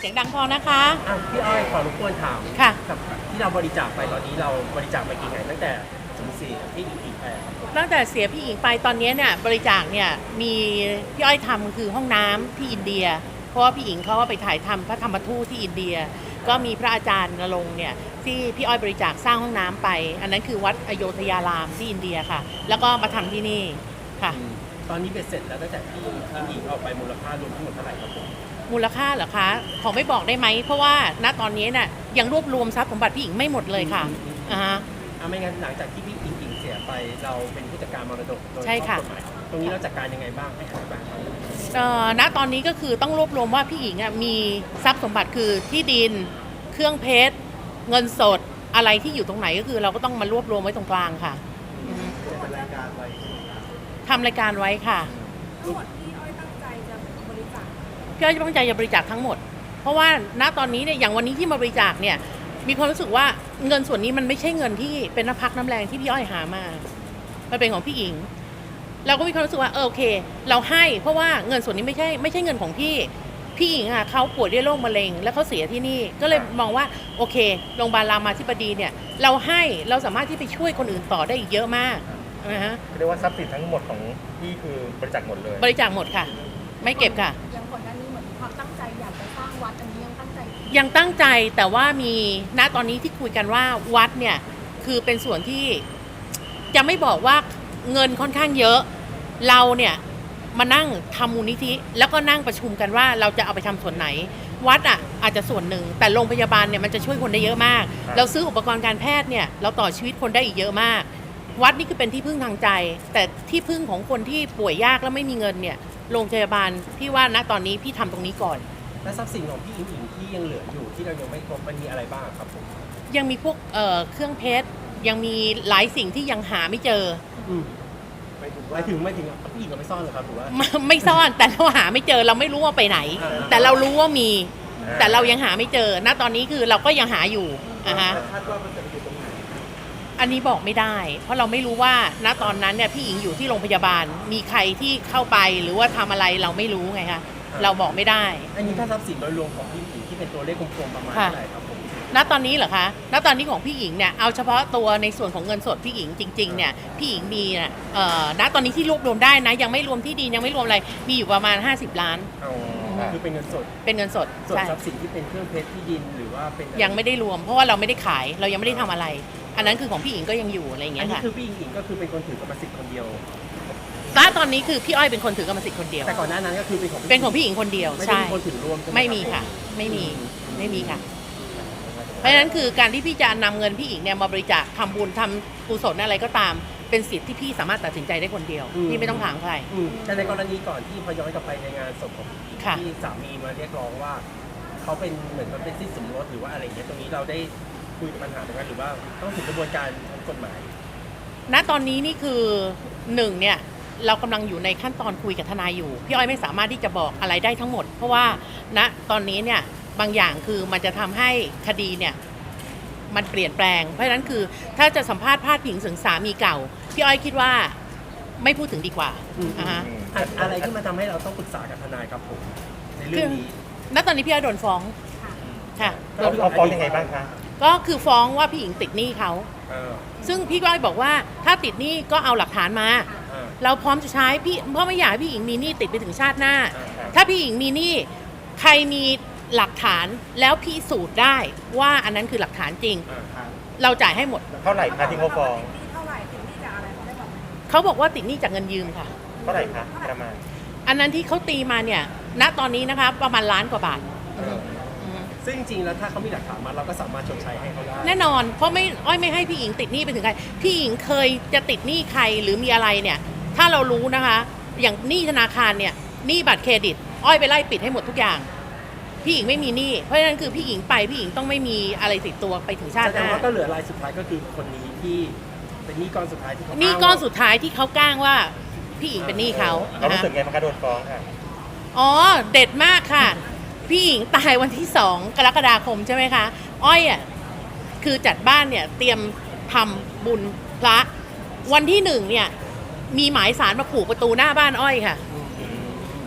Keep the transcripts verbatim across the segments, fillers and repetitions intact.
เสียงดังพอนะคะอ่ะพี่อ้อยขอรบกวนถามค่ะกับที่เราบริจาคไปตอนนี้เราบริจาคไปกี่ไงตั้งแต่สูญเสียที่อีกอีกไปครับตั้งแต่เสียพี่หญิงไปตอนนี้เนี่ยบริจาคเนี่ยมีพี่อ้อยทำคือห้องน้ำที่อินเดีย เพราะว่าพี่หญิงเขาก็ไปถ่ายทำพระธรรมทูตที่อินเดีย ก็มีพระอาจารย์นรงค์เนี่ยที่พี่อ้อยบริจาคสร้างห้องน้ำไป อันนั้นคือวัดอโยธยารามที่อินเดียค่ะ แล้วก็มาทำที่นี่ค่ะอืมตอนนี้เบ็ดเสร็จแล้วตั้งแต่ที่ที่หญิงออกไปมูลค่ารวมทั้งหมดเท่าไหร่ครับผมมูลค่าเหรอคะขอไม่บอกได้ไหมเพราะว่าณตอนนี้น่ะยังรวบรวมทรัพย์สมบัติพี่หญิงไม่หมดเลยค่ะอ่าฮะอ่ะไม่งั้นหลังจากที่พี่อิงอิงเสียไปเราเป็นผู้จัดการมรดกโดยใช่ค่ะข้อกฎหมายตรงนี้เราจัดการยังไงบ้างให้อธิบายครับเอ่อณตอนนี้ก็คือต้องรวบรวมว่าพี่หญิงอ่ะมีทรัพย์สมบัติคือที่ดิน เครื่องเพชร เงินสดอะไรที่อยู่ตรงไหนก็คือเราก็ต้องมารวบรวมไว้ตรงกลางค่ะอือฮึเป็นรายการไปทำรายการไว้ค่ะทั้งหมดที่อ้อยตั้งใจจะบริจาคพี่อ้อยตั้งใจจะบริจาคทั้งหมด เพราะว่าณตอนนี้เนี่ยอย่างวันนี้ที่มาบริจาคเนี่ยมีความรู้สึกว่าเงินส่วนนี้มันไม่ใช่เงินที่เป็นน้ำพักน้ำแรงที่พี่อ้อยหามามันเป็นของพี่หญิง เราก็มีความรู้สึกว่าเออโอเค เราให้เพราะว่าเงินส่วนนี้ไม่ใช่ไม่ใช่เงินของพี่พี่หญิงอ่ะเขาป่วยด้วยโรคมะเร็งแล้วเขาเสียที่นี่ก็เลยมองว่าโอเคโรงพยาบาลรามาธิบดีเนี่ยเราให้เราสามารถที่ไปช่วยคนอื่นต่อได้อีกเยอะมากนะฮะเรียกว่าทรัพย์สินทั้งหมดของพี่คือบริจาคหมดเลยบริจาคหมดค่ะ ไม่เก็บค่ะยังก่อนหน้านี้เหมือนมีความตั้งใจอยากจะสร้างวัดอันนี้ยังตั้งใจยังตั้งใจแต่ว่ามีณตอนนี้ที่คุยกันว่าวัดเนี่ยคือเป็นส่วนที่จะไม่บอกว่าเงินค่อนข้างเยอะ เราเนี่ยมานั่งทำมูลนิธิแล้วก็นั่งประชุมกันว่าเราจะเอาไปทำส่วนไหน วัดอ่ะอาจจะส่วนหนึ่งแต่โรงพยาบาลเนี่ยมันจะช่วยคนได้เยอะมาก เราซื้ออุปกรณ์การแพทย์เนี่ยเราต่อชีวิตคนได้อีกเยอะมาก วัดนี่คือเป็นที่พึ่งทางใจ แต่ที่พึ่งของคนที่ป่วยยากแล้วไม่มีเงินเนี่ยโรงพยาบาลพี่ว่าณตอนนี้พี่ทำตรงนี้ก่อนและทรัพย์สินของพี่อิงอิงที่ยังเหลืออยู่ที่เรายังไม่ครบมันมีอะไรบ้างครับผมยังมีพวกเอ่อเครื่องเพชรยังมีหลายสิ่งที่ยังหาไม่เจออืมหมายถึงหมายถึงพี่อิงเอาไปซ่อนเหรอครับหรือว่าไม่ไม่ซ่อนแต่เราหาไม่เจอเราไม่รู้ว่าไปไหนอ่าแต่เรารู้ว่ามี แต่เรายังหาไม่เจอณตอนนี้คือเราก็ยังหาอยู่อ่ะฮะคาดว่ามันจะไปอยู่ตรงไหนอันนี้บอกไม่ได้ เพราะเราไม่รู้ว่าณตอนนั้นเนี่ยพี่หญิงอยู่ที่โรงพยาบาล มีใครที่เข้าไปหรือว่าทำอะไรเราไม่รู้ไงคะเราบอกไม่ได้อันนี้ถ้าทรัพย์สินโดยรวมของพี่อิงที่เป็นตัวเลขกลมๆประมาณค่ะเท่าไหร่ครับผมณตอนนี้เหรอคะ ณตอนนี้ของพี่หญิงเนี่ย เอาเฉพาะตัวในส่วนของเงินสดพี่หญิงจริงๆ เนี่ย พี่หญิงมีน่ะเอ่อ ณตอนนี้ที่รวบรวมได้นะ ยังไม่รวมที่ดินยังไม่รวมอะไร มีอยู่ประมาณห้าสิบล้านเอาคือเป็นเงินสดเป็นเงินสดส่วนใช่ทรัพย์สินที่เป็นเครื่องเพชรที่ดินหรือว่าเป็นยังไม่ได้รวม เพราะว่าเราไม่ได้ขาย เรายังไม่ได้ทำอะไร อันนั้นคือของพี่หญิงก็ยังอยู่อะไรอย่างอัเงี้นยนี้ค่ะคือพี่อิงอิงก็คือเป็นคนถือกรรมสิทธิ์คนเดียวณตอนนี้คือพี่อ้อยเป็นคนถือกรรมสิทธิ์คนเดียวแต่ก่อนหน้านั้นก็คือเป็นของพี่เป็นของพี่หญิงคนเดียวไม่ได้ใช่มีคนถือรวมใช่หไม่มีรับค่ะ ไม่มี ไม่มีค่ะ เพราะฉะนั้นคือการที่พี่จะนำเงินพี่หญิงเนี่ยมาบริจาคทำบุญทำกุศลอะไรก็ตาม เป็นสิทธิ์ที่พี่สามารถตัดสินใจได้คนเดียว พี่ไม่ต้องถามใครอืมแต่ในกรณีก่อนที่พอย้อนกลับไปในงานศพของพี่อิงค่ะที่สามีมาเรียกร้องว่าเขาเป็นเหมือนมันเป็นสิทธิสมรสหรือว่าอะไรอย่างเงี้ยตรงนี้เราได้คุยปัญหาตรงนั้นหรือว่าต้องถึงกระบวนการทางกฎหมายณตอนนี้นี่คือหนึ่งเนี่ยเรากำลังอยู่ในขั้นตอนคุยกับทนายอยู่ พี่อ้อยไม่สามารถที่จะบอกอะไรได้ทั้งหมด เพราะว่าณตอนนี้เนี่ยบางอย่างคือมันจะทำให้คดีเนี่ยมันเปลี่ยนแปลง เพราะฉะนั้นคือถ้าจะสัมภาษณ์พาดพิงถึงสามีเก่าพี่อ้อยคิดว่าไม่พูดถึงดีกว่าอืมอ่าฮะอะอะไรที่มันทำให้เราต้องปรึกษากับทนายครับผมในเรื่คือ องนี้ณตอนนี้พี่อ้อยโดนฟ้องค่ะเราเราฟ้องยังไงบ้างคะก็คือฟ้องว่าพี่หญิงติดหนี้เขาเออซึ่งพี่ก้อยบอกว่าถ้าติดหนี้ก็เอาหลักฐานมาเออเราพร้อมจะใช้พี่เพราะไม่อยากให้พี่หญิงมีหนี้ติดไปถึงชาติหน้าเออถ้าพี่หญิงมีหนี้ใครมีหลักฐานแล้วพิสูจน์ได้ว่าอันนั้นคือหลักฐานจริงเออครับเราจ่ายให้หมดเท่าไหร่คะที่เขาฟ้องเท่าไหร่ถึงที่จะอะไรเขาได้บอกไหมเขาบอกว่าติดหนี้จากเงินยืมค่ะเท่าไหร่คะประมาณอันนั้นที่เขาตีมาเนี่ยณตอนนี้นะคะประมาณล้านกว่าบาทเอออืมซึ่งจริงๆแล้วถ้าเขามีหลักฐานมาเราก็สามารถชดใช้ให้เขาได้แน่นอนเพราะไม่อ้อยไม่ให้พี่หญิงติดหนี้ไปถึงใครพี่หญิงเคยจะติดหนี้ใครหรือมีอะไรเนี่ยถ้าเรารู้นะคะ อย่างหนี้ธนาคารเนี่ยหนี้บัตรเครดิต อ้อยไปไล่ปิดให้หมดทุกอย่าง พี่หญิงไม่มีหนี้เพราะฉะนั้นคือพี่หญิงไปพี่หญิงต้องไม่มีอะไรติดตัวไปถึงชาติแสหดงน้าว่าก็เหลือรายสุดท้ายก็คือคนนี้ที่เป็นหนี้ก้อนสุดท้ายที่เขาหนี้อ้างก้อนว่าสุดท้ายที่เขาก้างว่าพี่หญิงเป็นหนี้เขาเรารู้นะสึกไงบ้างคะโดนฟ้องค่ะอ๋อเด็ดมากค่ะ พี่หญิงตายวันที่สองกรกฎาคมใช่ไหมคะ อ้อยอ่ะคือจัดบ้านเนี่ยเตรียมทำบุญพระวันที่หนึ่งเนี่ยมีหมายสารมาผูกประตูหน้าบ้านอ้อยค่ะอืม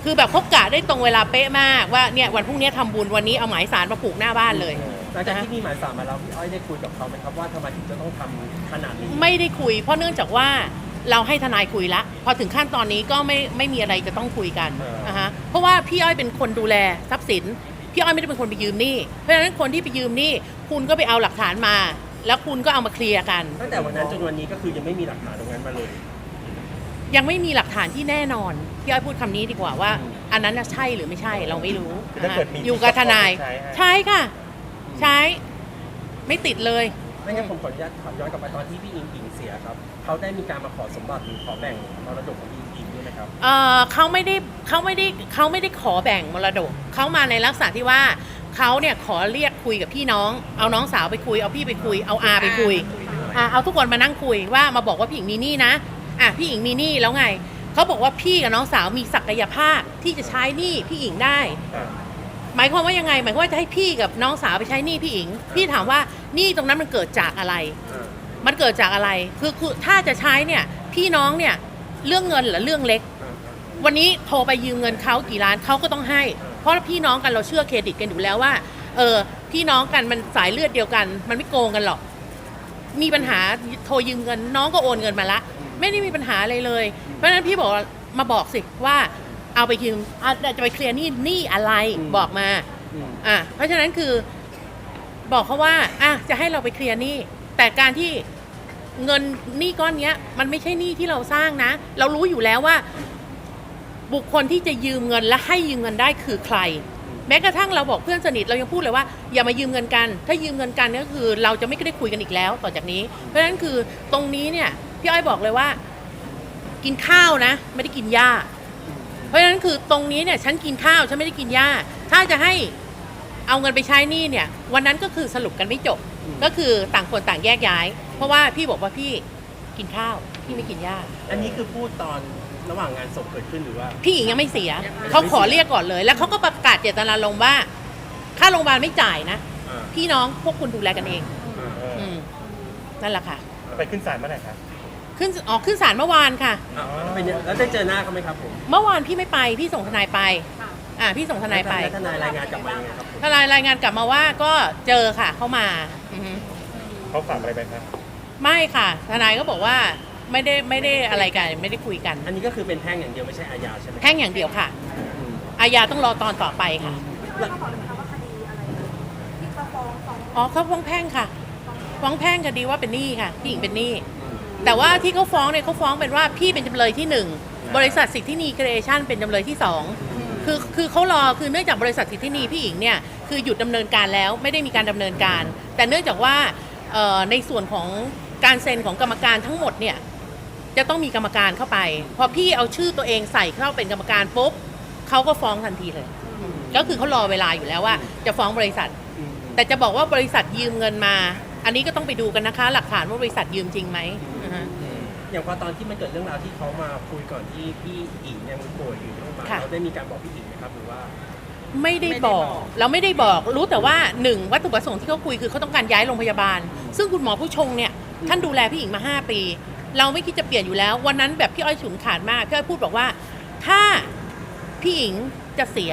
คือแบบเขากะได้ตรงเวลาเป๊ะมากว่าเนี่ยวันพรุ่งนี้ทำบุญวันนี้เอาหมายสารมาผูกหน้าบ้านเลยหลังจากที่มีหมายสารมาแล้วพี่อ้อยได้คุยกับเขาไหมครับว่าทำไมถึงจะต้องทำขนาดนี้ไม่ได้คุย เพราะเนื่องจากว่าเราให้ทนายคุยละพอถึงขั้นตอนนี้ก็ไม่ไม่มีอะไรจะต้องคุยกันนะฮะเพราะว่าพี่อ้อยเป็นคนดูแลทรัพย์สินพี่อ้อยไม่ได้เป็นคนไปยืมหนี้เพราะฉะนั้นคนที่ไปยืมหนี้คุณก็ไปเอาหลักฐานมา แล้วคุณก็เอามาเคลียร์กันตั้งแต่วันนั้นจนวันนี้ก็คือยังไม่มีหลักฐานตรงนั้นมาเลยยังไม่มีหลักฐานที่แน่นอนพี่อ้อยพูดคำนี้ดีกว่าว่า อันนั้นน่ะใช่หรือไม่ใช่เราไม่รู้คือถ้าเกิดมีอยู่กับทนายใช้ให้ใช่ค่ะ ใช้ไม่ติดเลยไม่งั้นผมขออนุญาตถามย้อนกลับไปตอนที่พี่อิงอิงเสียครับเขาได้มีการมาขอสมบัติหรือขอแบ่งมรดกของพี่อิงอิงด้วยไหมครับเอ่อเขาไม่ได้เขาไม่ได้เขาไม่ได้ขอแบ่งมรดกเขามาในลักษณะที่ว่าเขาเนี่ยขอเรียกคุยกับพี่น้อง เอาน้องสาวไปคุยเอาพี่ไปคุยเอาอาไปคุยอ่ะเอาทุกคนมานั่งคุยว่ามาบอกว่าพี่หญิงมีหนี้นะอ่ะพี่หญิงมีหนี้แล้วไงเขาบอกว่าพี่กับน้องสาวมีศักยภาพที่จะใช้หนี้พี่หญิงได้อ่าหมายความว่ายังไงหมายความว่าจะให้พี่กับน้องสาวไปใช้หนี้พี่หญิงพี่ถามว่าหนี้ตรงนั้นมันเกิดจากอะไร มันเกิดจากอะไร คือคือถ้าจะใช้เนี่ยพี่น้องเนี่ยเรื่องเงินเหรือเรื่องเล็ก วันนี้โทรไปยืมเงินเขากี่ล้านเขาก็ต้องให้ เพราะพี่น้องกันเราเชื่อเครดิตกันอยู่แล้วว่า เออพี่น้องกันมันสายเลือดเดียวกัน มันไม่โกงกันหรอก มีปัญหาโทรยืมเงินน้องก็โอนเงินมาละ ไม่ได้มีปัญหาอะไรเลย เพราะฉะนั้นพี่บอกมาบอกสิว่าเอาไปยืมอ่ะจะไปเคลียร์หนี้หนี้อะไรบอกมา อ่ะเพราะฉะนั้นคือบอกเขาว่าอ่ะจะให้เราไปเคลียร์หนี้แต่การที่เงินหนี้ก้อนเนี้ยมันไม่ใช่หนี้ที่เราสร้างนะ เรารู้อยู่แล้วว่า บุคคลที่จะยืมเงินและให้ยืมเงินได้คือใคร แม้กระทั่งเราบอกเพื่อนสนิทเรายังพูดเลยว่าอย่ามายืมเงินกัน ถ้ายืมเงินกันก็คือเราจะไม่ได้คุยกันอีกแล้วต่อจากนี้ เพราะฉะนั้นคือตรงนี้เนี่ยพี่อ้อยบอกเลยว่า กินข้าวนะ ไม่ได้กินหญ้า เพราะฉะนั้นคือตรงนี้เนี่ยฉันกินข้าวฉันไม่ได้กินหญ้าถ้าจะให้เอาเงินไปใช้หนี้เนี่ยวันนั้นก็คือสรุปกันไม่จบ ก็คือต่างคนต่างแยกย้าย เพราะว่าพี่บอกว่าพี่กินข้าวพี่ไม่กินหญ้าอันนี้คือพูดตอนระหว่างงานศพเกิดขึ้นหรือว่าพี่หญิงยังไม่เสียเขาขอเรียกก่อนเลย แล้วเขาก็ประกาศเจตนารมณ์ว่าค่าโรงพยาบาลไม่จ่ายนะอ่าพี่น้องพวกคุณดูแลกันเองอ่าเอออืมนั่นแหละค่ะไปขึ้นศาลเมื่อไหร่ครับขึ้นออกขึ้นศาลเมื่อวานค่ะอ่าแล้วเป็นยังแล้วได้เจอหน้าเขาไหมครับผมเมื่อวานพี่ไม่ไปพี่ส่งทนายไป อ่าพี่ส่งทนายไปแล้วทนายรายงานกลับมายังไงครับผมทนายรายงานกลับมาว่าก็เจอค่ะเข้ามาอือฮึเขาฝากอะไรไปครับไม่ค่ะ ทนายก็บอกว่าไม่ได้ไม่ได้อะไรกันไม่ได้คุยกันอันนี้ก็คือเป็นแพ่งอย่างเดียวไม่ใช่อาญาใช่ไหมแพ่งอย่างเดียวค่ะอืมอาญาต้องรอตอนต่อไปค่ะแล้วก็บอกเลยนะคะว่าคดีอะไรที่เขาฟ้องฟ้องอ๋อเขาฟ้องแพ่งค่ะ ฟ้องแพ่งคดีว่าเป็นหนี้ค่ะพี่หญิงเป็นหนี้แต่ว่าที่เขาฟ้องเนี่ยเขาฟ้องเป็นว่าพี่เป็นจำเลยที่หนึ่งบริษัทสิทธินีครีเอชั่นเป็นจำเลยที่สองคือคือเขารอคือเนื่องจากบริษัทสิทธินีพี่หญิงเนี่ยคือหยุดดำเนินการแล้วไม่ได้มีการดำเนินการ แต่เนื่องจากว่าเอ่อในส่วนของการเซ็นของกรรมการทั้งหมดเนี่ยจะต้องมีกรรมการเข้าไปพอพี่เอาชื่อตัวเองใส่เข้าเป็นกรรมการปุ๊บเขาก็ฟ้องทันทีเลย ก็คือเขารอเวลาอยู่แล้วว่าจะฟ้องบริษัทอืมแต่จะบอกว่าบริษัทยืมเงินมา อันนี้ก็ต้องไปดูกันนะคะ หลักฐานว่าบริษัทยืมจริงไหมอือฮะอย่างพอตอนที่มันเกิดเรื่องราวที่เขามาคุยก่อนที่พี่อิงยังป่วยอยู่ที่โรงพยาบาลค่ะเราได้มีการบอกพี่อิงไหมครับหรือว่าไม่ได้บอก เราไม่ได้บอกรู้แต่ว่าหนึ่งวัตถุประสงค์ที่เขาคุยคือเขาต้องการย้ายโรงพยาบาล ซึ่งคุณหมอผู้ชงเนี่ยท่านดูแลพี่หญิงมาห้าปี เราไม่คิดจะเปลี่ยนอยู่แล้ว วันนั้นแบบพี่อ้อยฉุนขาดมากพี่อ้อยพูดบอกว่า ถ้าพี่หญิงจะเสีย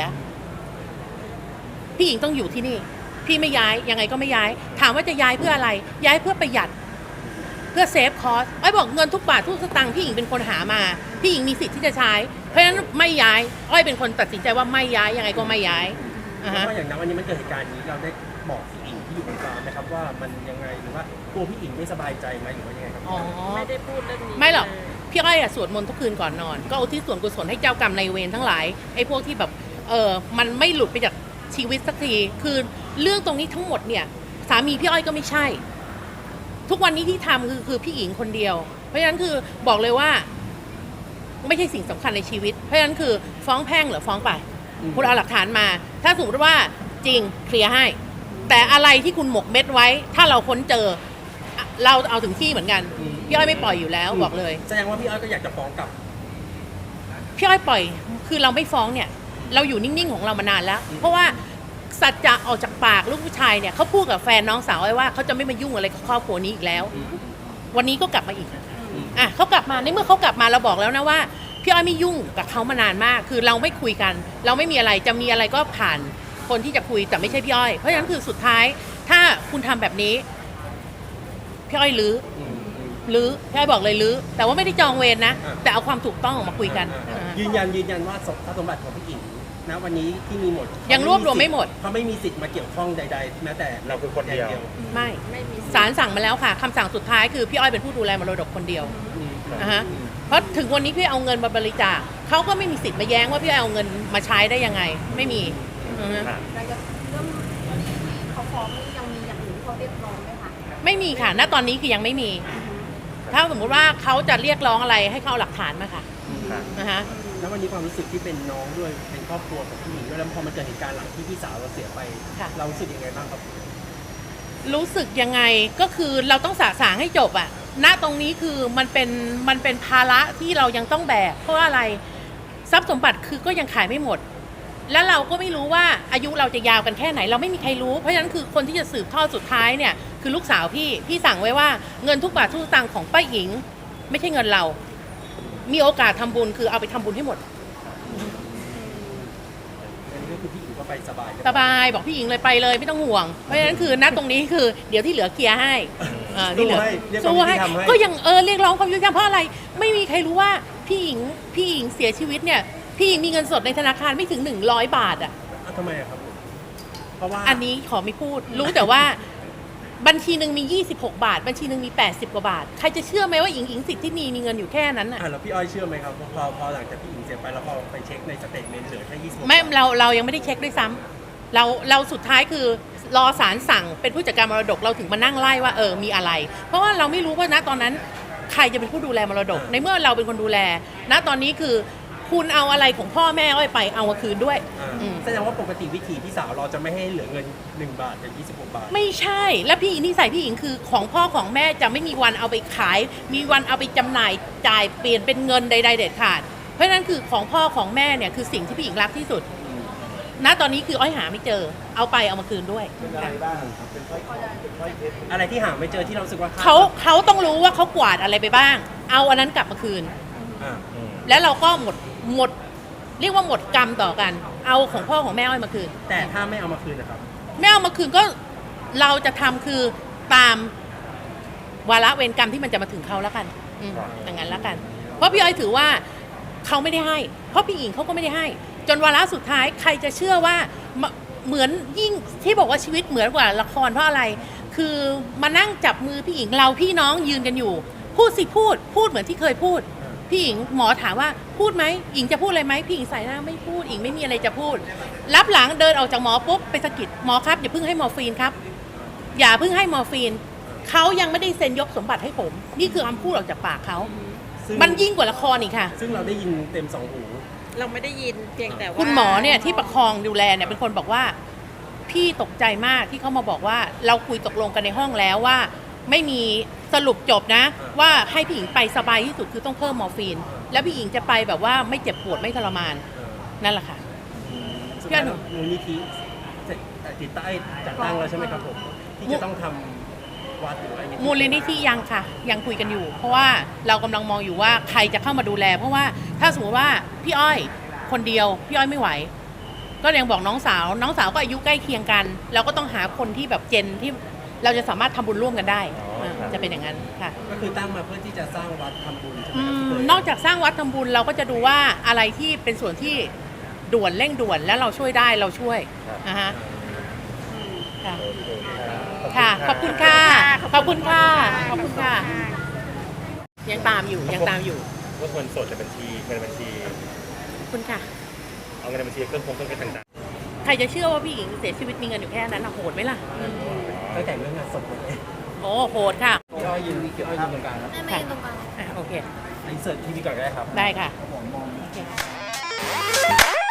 พี่หญิงต้องอยู่ที่นี่ พี่ไม่ย้ายยังไงก็ไม่ย้าย ถามว่าจะย้ายเพื่ออะไร ย้ายเพื่อประหยัด เพื่อเซฟคอสอ้อยบอกเงินทุกบาททุกสตางค์พี่หญิงเป็นคนหามา พี่หญิงมีสิทธิ์ที่จะใช้ เพราะฉะนั้นไม่ย้าย อ้อยเป็นคนตัดสินใจว่าไม่ย้ายยังไงก็ไม่ย้ายอ่าเพฮะราะว่าอย่างนั้นวันนี้มันเกิดเหตุการณ์นี้เราได้บอกพี่อิงที่อยู่ตรงกลางนะครับว่ามันยังไงหรือว่ากลัวพี่อิงไม่สบายใจไหมหรือว่ายังไงครับอ๋อไม่ได้พูดเรื่องนี้ไม่หรอก พี่อ้อยอะสวดมนต์ทุกคืนก่อนนอน ก็อุทิศส่วนกุศลให้เจ้ากรรมนายเวรทั้งหลายไอ้พวกที่แบบเออมันไม่หลุดไปจากชีวิตสักที คือเรื่องตรงนี้ทั้งหมดเนี่ยสามีพี่อ้อยก็ไม่ใช่ ทุกวันนี้ที่ทำคือคือพี่หญิงคนเดียว เพราะฉะนั้นคือบอกเลยว่า ไม่ใช่สิ่งสำคัญในชีวิต เพราะฉะนั้นคือฟ้องแพ่งหรือฟ้องไป คุณเอาหลักฐานมา ถ้าสมมติว่าจริงเคลียร์ให้ แต่อะไรที่คุณหมกเม็ดไว้ ถ้าเราค้นเจออ่ะเราเอาถึงที่เหมือนกัน พี่อ้อยไม่ปล่อยอยู่แล้วบอกเลยแสดงว่าพี่อ้อยก็อยากจะฟ้องกลับพี่อ้อยปล่อย คือเราไม่ฟ้องเนี่ย เราอยู่นิ่งๆของเรามานานแล้ว เพราะว่าสัจจะออกจากปากลูกผู้ชายเนี่ยเขาพูดกับแฟนน้องสาวไว้ว่าเขาจะไม่มายุ่งอะไรกับครอบครัวนี้อีกแล้ว วันนี้ก็กลับมาอีก อ่ะเขากลับมาในเมื่อเขากลับมาเราบอกแล้วนะว่าพี่อ้อยไม่ยุ่งกับเขามานานมาก คือเราไม่คุยกัน เราไม่มีอะไรจะมีอะไรก็ผ่านคนที่จะคุยแต่ไม่ใช่พี่อ้อยเพราะฉะนั้นคือสุดท้ายถ้าคุณทำแบบนี้พี่อ้อยลื้ออืมอืมลื้อพี่อ้อยบอกเลยลื้อแต่ว่าไม่ได้จองเวรนะอ่าแต่เอาความถูกต้องออกมาคุยกันอ่าอ่ายืนยันยืนยันว่าทรัพย์สมบัติของพี่อิงนะวันนี้ที่มีหมดยังรวบรวมไม่หมดเขาไม่มีสิทธิ์มาเกี่ยวข้องใดๆแม้แต่เราคือคนเดียวไม่ไม่มีศาลสั่งมาแล้วค่ะคำสั่งสุดท้ายคือพี่อ้อยเป็นผู้ดูแลมรดกคนเดียวอืมนะฮะเพราะถึงวันนี้พี่เอาเงินมาบริจาคเขาก็ไม่มีสิทธิ์มาแย้งว่าพี่อ้อยเอาเงินมาใช้ได้ยังไงไม่มีอือฮะค่ะแล้วก็เรื่องที่เขาฟ้องนี่ยังมีอย่างอื่นที่เขาเรียกร้องไหมคะไม่มีค่ะณตอนนี้คือยังไม่มี ถ้าสมมุติว่าเขาจะเรียกร้องอะไรให้เขาเอาหลักฐานมาค่ะค่ะนะฮะแล้ววันนี้ความรู้สึกที่เป็นน้องด้วยเป็นครอบครัวของพี่หญิงด้วยแล้วพอมันเกิดเหตุการณ์หลังที่พี่สาวเราเสียไปค่ะเรารู้สึกยังไงบ้างครับรู้สึกยังไงก็คือเราต้องสะสางให้จบอะณตรงนี้คือมันเป็นมันเป็นภาระที่เรายังต้องแบกเพราะว่าอะไรทรัพย์สมบัติคือก็ยังขายไม่หมด แล้วเราก็ไม่รู้ว่าอายุเราจะยาวกันแค่ไหน เราไม่มีใครรู้ เพราะฉะนั้นคือคนที่จะสืบทอดสุดท้ายเนี่ยคือลูกสาวพี่พี่สั่งไว้ว่าเงินทุกบาททุกสตางค์ของป้าหญิง ไม่ใช่เงินเรา มีโอกาสทำบุญคือเอาไปทำบุญให้หมดอันนี้ก็คือพี่หญิงก็ไปสบายสบายบอกพี่หญิงเลยไปเลยไม่ต้องห่วง เพราะฉะนั้นคือณตรงนี้คือเดี๋ยวที่เหลือเคลียร์ให้เอ่อที่เหลือให้เรียกสู้ว่าให้ให้ทำให้ก็ยังเออเรียกร้องความยุติธรรมเพราะอะไร ไม่มีใครรู้ว่าพี่หญิงพี่หญิงเสียชีวิตเนี่ยพี่หญิงมีเงินสดในธนาคารไม่ถึงหนึ่งร้อยบาทอ่ะอ้าวทำไมอะครับ เพราะว่าอันนี้ขอไม่พูด รู้แต่ว่าบัญชีหนึ่งมียี่สิบหกบาท บัญชีหนึ่งมีแปดสิบกว่าบาทใครจะเชื่อไหมว่าหญิงหญิงสิทธิ์ที่มีมีเงินอยู่แค่นั้นอ่ะอ่ะแล้วพี่อ้อยเชื่อไหมครับพอพอหลังจากพี่หญิงเสียไปแล้วพอไปเช็คในสเตทเมนต์เหลือแค่ยี่สิบไม่เราเรายังไม่ได้เช็คด้วยซ้ำเราเราสุดท้ายคือรอศาลสั่งเป็นผู้จัดการมรดกเราถึงมานั่งไล่ว่าเออมีอะไร เพราะว่าเราไม่รู้ว่าณตอนนั้นใครจะเป็นผู้ดูแลมรดก ในเมื่อเราเป็นคนดูแล ณตอนนี้คือคุณเอาอะไรของพ่อแม่อ้อยไปเอามาคืนด้วยอ่าอืมแสดงว่าปกติวิธีพี่สาวเราจะไม่ให้เหลือเงินหนึ่งบาทกับยี่สิบหกบาทไม่ใช่ แล้วพี่นิสัยพี่หญิงคือของพ่อของแม่จะไม่มีวันเอาไปขาย มีวันเอาไปจำหน่ายจ่ายเปลี่ยนเป็นเงินใดๆเด็ดขาด เพราะฉะนั้นคือของพ่อของแม่เนี่ยคือสิ่งที่พี่หญิงรักที่สุด ณตอนนี้คืออ้อยหาไม่เจอ เอาไปเอามาคืนด้วยอะไรบ้างครับเป็นอะไรที่หาไม่เจอที่เรารู้สึกว่าเขาเขาต้องรู้ว่าเขากวาดอะไรไปบ้าง เอาอันนั้นกลับมาคืนอ่าอืมแล้วเราก็หมดหมด เรียกว่าหมดกรรมต่อกัน เอาของพ่อของแม่อ้อยมาคืนแต่ถ้าไม่เอามาคืนนะครับไม่เอามาคืนก็เราจะทำคือตามวาระเวรกรรมที่มันจะมาถึงเขาแล้วกันอืมอย่างนั้นแล้วกัน เพราะพี่อ้อยถือว่าเขาไม่ได้ให้ เพราะพี่หญิงเขาก็ไม่ได้ให้ จนวาระสุดท้ายใครจะเชื่อว่ามาเหมือนยิ่งที่บอกว่าชีวิตเหมือนกว่าละครเพราะอะไร คือมานั่งจับมือพี่หญิงเราพี่น้องยืนกันอยู่ พูดสิพูด พูดเหมือนที่เคยพูด พี่หญิงหมอถามว่าพูดไหมหญิงจะพูดอะไรไหมพี่หญิงใส่หน้าไม่พูดหญิงไม่มีอะไรจะพูด รับหลังเดินออกจากหมอปุ๊บไปสะกิดหมอครับอย่าเพิ่งให้มอร์ฟีนครับ อย่าเพิ่งให้มอร์ฟีนเขายังไม่ได้เซ็นยกสมบัติให้ผม นี่คือคำพูดออกจากปากเขาซึ่งมันยิ่งกว่าละครอีกค่ะซึ่งเราได้ยินเต็มสองหูเราไม่ได้ยินเพียงแต่ว่าคุณหมอเนี่ยที่ประคองดูแลเนี่ยเป็นคนบอกว่า พี่ตกใจมากที่เขามาบอกว่า เราคุยตกลงกันในห้องแล้วว่า ไม่มีสรุปจบนะ ว่าให้พี่หญิงไปสบายที่สุดคือต้องเพิ่มมอร์ฟีน แล้วพี่หญิงจะไปแบบว่าไม่เจ็บปวดไม่ทรมานเออนั่นแหละค่ะสุดท้ายแล้วมูลนิธิเสร็จติดตั้งจัดตั้งแล้วใช่ไหมครับผมที่จะต้องทำวัดหรืออะไรอย่างเงี้ยมูลนิธิยังค่ะ ยังคุยกันอยู่ เพราะว่าเรากำลังมองอยู่ว่าใครจะเข้ามาดูแล เพราะว่าถ้าสมมติว่าพี่อ้อยคนเดียวพี่อ้อยไม่ไหว ก็ยังบอกน้องสาว น้องสาวก็อายุใกล้เคียงกัน เราก็ต้องหาคนที่แบบเจนที่เราจะสามารถทำบุญร่วมกันได้อ๋อครับจะเป็นอย่างนั้นค่ะก็คือตั้งมาเพื่อที่จะสร้างวัดทำบุญใช่ไหมอืครับที่มเคยนอกจากสร้างวัดทำบุญเราก็จะดูว่าอะไรที่เป็นส่วนที่ด่วนเร่งด่วนแล้วเราช่วยได้เราช่วยนะฮะค่ะโอเคครับค่ะ ขอบคุณค่ะ ขอบคุณค่ะ ขอบคุณค่ะ ยังตามอยู่ยังตามอยู่ว่าเงินสดในบัญชีเงินในบัญชีขอบคุณค่ะเอาเงินในบัญชีเครื่องคงเครื่องเพชรต่างใครจะเชื่อว่าพี่หญิงเสียชีวิตมีเงินอยู่แค่นั้นนะโหดไหมล่ะๆตั้งแต่เรื่องงานศพเลยโอ้โหดค่ะพี่อ้อยยืนพี่อ้อยยืนตรงกลางครับไม่ไม่ตรงกลางอ่ะโอเคอินเสิร์ตทีวีก่อนก็ได้ครับได้ค่ะผมมองโอเค